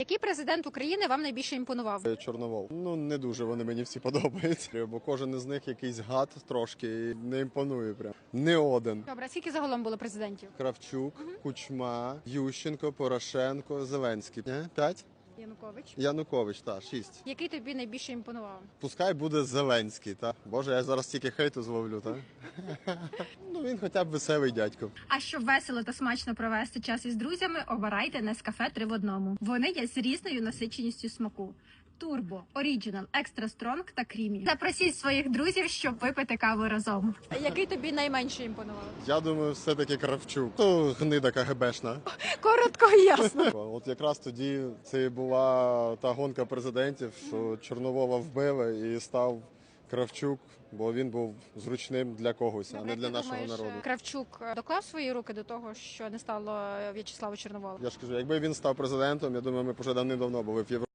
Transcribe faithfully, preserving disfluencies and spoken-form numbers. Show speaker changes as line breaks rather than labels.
Який президент України вам найбільше імпонував?
Чорновол. Ну, не дуже вони мені всі подобаються, бо кожен із них якийсь гад трошки і не імпонує прям. Не один.
Добре, а скільки загалом було президентів?
Кравчук, Кучма, Ющенко, Порошенко, Зеленський. Не? П'ять?
Янукович.
Янукович, так, шість.
Який тобі найбільше імпонував?
Пускай буде Зеленський, так? Боже, я зараз тільки хейту зловлю, так? Ну, він хоча б веселий дядько.
А щоб весело та смачно провести час із друзями, обирайте Нескафе три в одному. Вони є з різною насиченістю смаку. Турбо, Оріджинал, Екстра Стронг та Крімі. Запросіть своїх друзів, щоб випити каву разом. Який тобі найменше імпонував?
Я думаю, все-таки Кравчук. То гнида КГБшна.
Коротко і ясно.
От якраз тоді це і була та гонка президентів, що Чорновола вбили і став Кравчук, бо він був зручним для когось, а не для нашого народу.
Кравчук доклав свої руки до того, що не стало В'ячеслава Чорновола?
Я ж кажу, якби він став президентом, я думаю, ми б вже давним-давно були в Європі.